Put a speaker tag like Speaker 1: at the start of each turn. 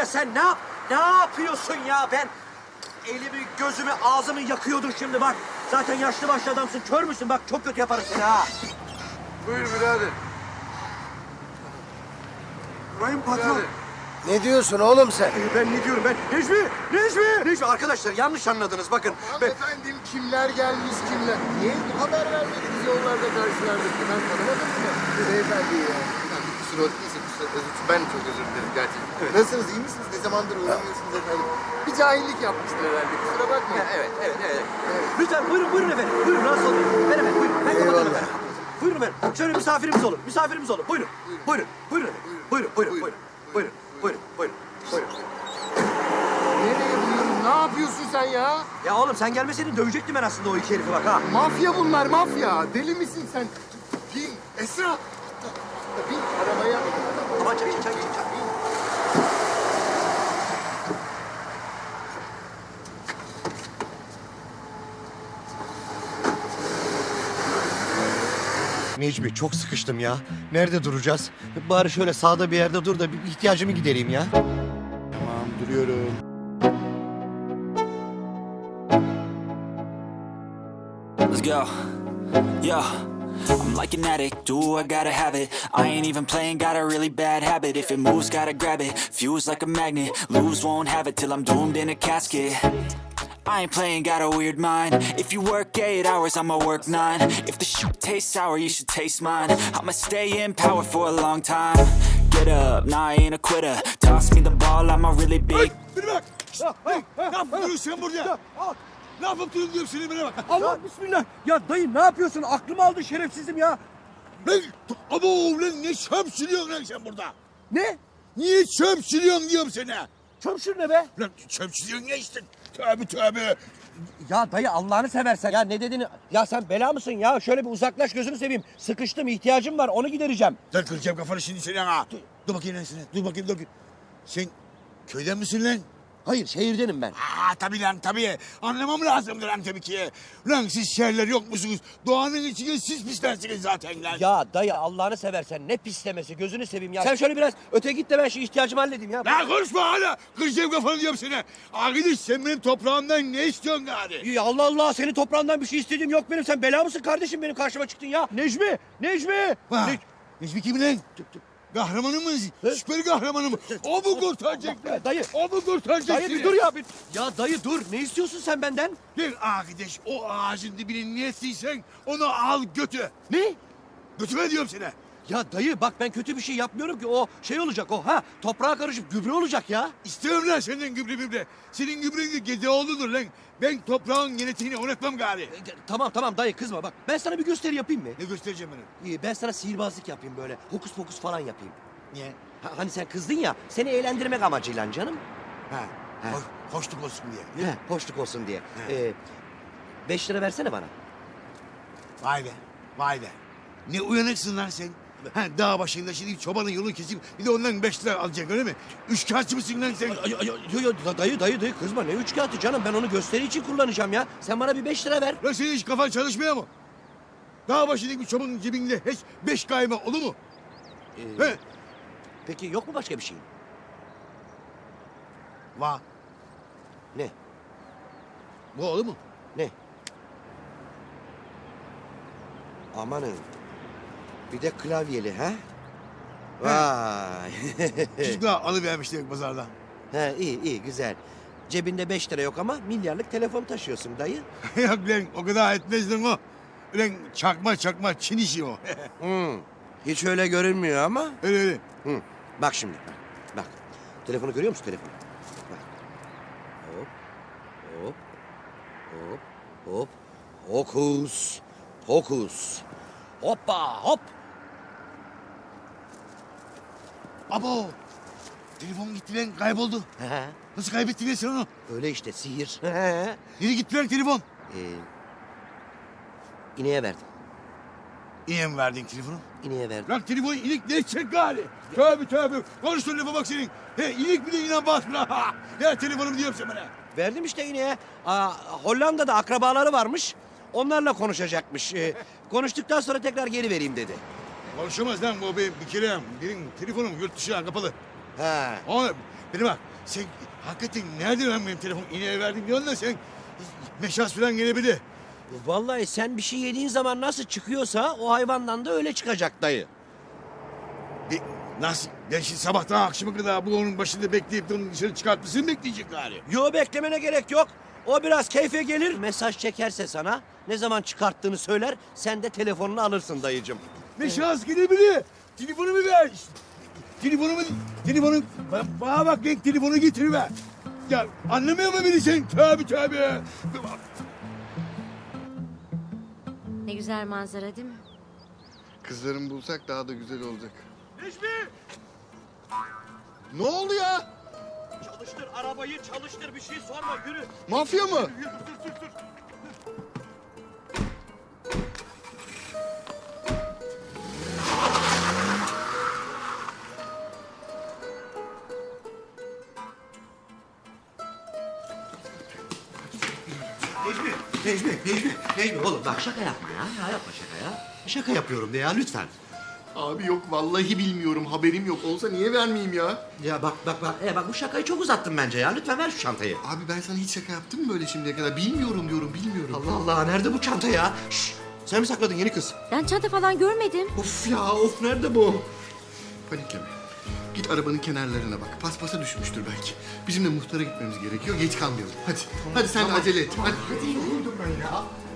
Speaker 1: sen ne yapıyorsun ya? Ben elimi, gözümü, ağzımı yakıyordun şimdi bak. Zaten yaşlı başlı adamsın, kör müsün? Bak çok kötü yaparım seni ha.
Speaker 2: Buyur birader.
Speaker 1: Bayım patron.
Speaker 3: Ne diyorsun oğlum sen?
Speaker 1: Ben ne diyorum ben? Necmi! Arkadaşlar yanlış anladınız bakın.
Speaker 2: Efendim kimler gelmiş kimler? Niye haber vermediniz yollarda karşılardık? Ben tanımadım mı? Beyefendi ya. Kusura ben çok özür dilerim gerçekten. Evet. Nasılsınız, iyi misiniz? Ne zamandır uğramıyorsunuz efendim? Bir cahillik yapmıştır herhalde, kusura bakmayın.
Speaker 1: Evet. Lütfen buyurun efendim. Buyurun rahatsız olmayın. Efendim buyurun. Ben kapatırım efendim. Buyurun efendim. Şöyle misafirimiz olun. Buyurun. Buyurun.
Speaker 2: Nereye buyurun? Ne yapıyorsun sen ya?
Speaker 1: Ya oğlum sen gelmeseydin dövecektim ben aslında o iki herifi bak ha.
Speaker 2: Mafya bunlar, mafya. Deli misin sen? Bin, Esra. Bin arabaya.
Speaker 1: Aman çay.
Speaker 3: Necmi çok sıkıştım ya. Nerede duracağız? Bari şöyle sağda bir yerde dur da bir ihtiyacımı gidereyim ya.
Speaker 2: Tamam, duruyorum.
Speaker 4: Let's go. Yo, I'm like an addict, do I gotta have it. I ain't even playing, got a really bad habit. If it moves, gotta grab it. Fuse like a magnet, lose, won't have it till I'm doomed in a casket. I ain't playing, got a weird mind. If you work 8 hours, I'ma work 9. If the shit tastes sour, you should taste mine. I'ma stay in power for a long time. Get up, nah, I ain't a quitter. Toss me the ball, I'm a really big.
Speaker 5: Beni bak! Ne yapıyorsun sen burada? Ne yapıp durun diyorum seni bana bak.
Speaker 1: Allah bismillah. Ya dayı ne yapıyorsun? Aklımı aldın şerefsizim ya.
Speaker 5: Lan abo lan ne çöp sürüyorsun lan sen burada?
Speaker 1: Ne?
Speaker 5: Niye çöp sürüyorsun diyorum sana.
Speaker 1: Çömşür ne be?
Speaker 5: Lan çöp sürüyorsun ya işte. Tövbe.
Speaker 1: Ya dayı Allah'ını seversen. Ya ne dediğini... Ya sen bela mısın ya? Şöyle bir uzaklaş gözünü seveyim. Sıkıştım, ihtiyacım var. Onu gidereceğim.
Speaker 5: Lan kıracağım kafanı şimdi seni ha. Dur bakayım lan sana. Dur bakayım. Sen köyden misin lan?
Speaker 1: Hayır, şehirdenim ben.
Speaker 5: Tabii lan tabii. Anlamam lazımdır lan tabii ki. Lan siz şehirler yok musunuz? Doğanın içine siz pislersiniz zaten lan.
Speaker 1: Ya dayı Allah'ını seversen ne pislemesi gözünü seveyim ya. Sen şöyle biraz öte git de ben şu ihtiyacımı halledeyim ya.
Speaker 5: Lan konuşma hala. Kıracağım kafanı diyorum sana. Arkadaş sen benim toprağımdan ne istiyorsun gari?
Speaker 1: Ya Allah Allah senin toprağından bir şey istediğim yok benim. Sen bela mısın kardeşim benim karşıma çıktın ya. Necmi!
Speaker 5: Necmi kim lan? Kahramanı mı? Süper kahramanı mı? O mu kurtaracak lan?
Speaker 1: Dayı.
Speaker 5: O mu kurtaracak
Speaker 1: Dayı bir dur ya. Ya dayı dur. Ne istiyorsun sen benden?
Speaker 5: Lan arkadaş o ağacın dibine ne ettiysen onu al götü.
Speaker 1: Ne?
Speaker 5: Götüme diyorum sana.
Speaker 1: Ya dayı bak ben kötü bir şey yapmıyorum ki. O şey olacak o ha. Toprağa karışıp gübre olacak ya.
Speaker 5: İstiyorum lan senden gübre. Senin gübren de Gedeoğlu'dur lan. Ben toprağın genetiğini unutmam gari.
Speaker 1: Tamam dayı kızma bak. Ben sana bir gösteri yapayım mı?
Speaker 5: Ne göstereceğim bana?
Speaker 1: Ben sana sihirbazlık yapayım böyle. Hokus pokus falan yapayım.
Speaker 5: Niye?
Speaker 1: Hani sen kızdın ya. Seni eğlendirmek amacıyla canım.
Speaker 5: Ha.
Speaker 1: Ha.
Speaker 5: Hoşluk olsun diye.
Speaker 1: Hoşluk olsun diye. 5 lira versene bana.
Speaker 5: Vay be. Ne uyanıksın lan sen. Ha, dağ başında şimdi çobanın yolunu kesip bir de ondan 5 lira alacak öyle mi? Üçkağıtçı mısın lan sen?
Speaker 1: Yo, dayı kızma ne üç kağıtı canım ben onu gösteri için kullanacağım ya. Sen bana bir 5 lira ver.
Speaker 5: Lan senin hiç kafan çalışmıyor mu? Dağ başındaki bir çobanın cebinde hiç 5 kayma olur mu? He?
Speaker 1: Peki yok mu başka bir şey?
Speaker 5: Va.
Speaker 1: Ne?
Speaker 5: Bu olur mu?
Speaker 1: Ne? Amanın. Bir de klavyeli ha? Vay.
Speaker 5: Çocuklar alıvermişler pazarda.
Speaker 1: He iyi güzel. Cebinde 5 lira yok ama milyarlık telefon taşıyorsun dayı.
Speaker 5: Yok lan o kadar etmez lan o. Lan çakma Çin işi o.
Speaker 1: Hiç öyle görünmüyor ama.
Speaker 5: öyle.
Speaker 1: Bak şimdi. Bak. Telefonu görüyor musun telefonu? Bak. Hop. Hokus. Pokus. Hoppa hop.
Speaker 5: Abo. Telefon gitti lan kayboldu. Nasıl kaybettin lan sen onu?
Speaker 1: Öyle işte sihir.
Speaker 5: Nereye gitti lan telefon?
Speaker 1: İneğe verdim.
Speaker 5: İyi mi verdin telefonu?
Speaker 1: İneğe verdim.
Speaker 5: Lan telefon ilik ne edecek gari? Tövbe. Konuştuğun lafa bak senin. İlik bile inan basmıyor. Ya telefonumu diyorum sen bana.
Speaker 1: Verdim işte ineğe. Hollanda'da akrabaları varmış. Onlarla konuşacakmış. Konuştuktan sonra tekrar geri vereyim dedi.
Speaker 5: Konuşamaz lan bu bir kere. Benim telefonum yurt dışına kapalı.
Speaker 1: He.
Speaker 5: Beni bak. sen hakikaten nerede lan benim telefon ineğe verdim diyorsun da sen meşas falan gelebilir.
Speaker 1: Vallahi sen bir şey yediğin zaman nasıl çıkıyorsa o hayvandan da öyle çıkacak dayı.
Speaker 5: Nasıl? Ben şimdi sabahtan akşama kadar bu onun başında bekleyip de onu dışarı çıkartmasını bekleyecek gari.
Speaker 1: Yo, beklemene gerek yok. O biraz keyfe gelir, mesaj çekerse sana ne zaman çıkarttığını söyler, sen de telefonunu alırsın dayıcım.
Speaker 5: Meşas gelebilir. Telefonumu ver. Telefonu, bana bak ben telefonu getiriver. Ya anlamıyor mu beni sen? Tövbe.
Speaker 6: Ne güzel manzara değil mi?
Speaker 2: Kızlarımı bulsak daha da güzel olacak.
Speaker 1: Necmi!
Speaker 2: Ne oldu ya?
Speaker 1: Çalıştır arabayı, çalıştır, bir şey sorma, yürü.
Speaker 2: Mafya mı?
Speaker 1: Yürü, dur.
Speaker 3: Necmi oğlum bak şaka yapma ya. Ya yapma şaka ya. Şaka yapıyorum de ya lütfen.
Speaker 2: Abi yok vallahi bilmiyorum. Haberim yok. Olsa niye vermeyeyim ya?
Speaker 3: Ya bak. Bak bu şakayı çok uzattın bence ya. Lütfen ver şu çantayı.
Speaker 2: Abi ben sana hiç şaka yaptım mı böyle şimdiye kadar? Bilmiyorum diyorum, bilmiyorum.
Speaker 3: Allah Allah nerede bu çanta ya? Şşş, sen mi sakladın yeni kız?
Speaker 6: Ben çanta falan görmedim.
Speaker 3: Of nerede bu?
Speaker 2: Panikleme. Git arabanın kenarlarına bak. Paspasa düşmüştür belki. Bizim de muhtara gitmemiz gerekiyor. Geç kalmayalım. Hadi. Hadi sen de acele et. Hadi.
Speaker 3: Hadi yoruldum ben ya.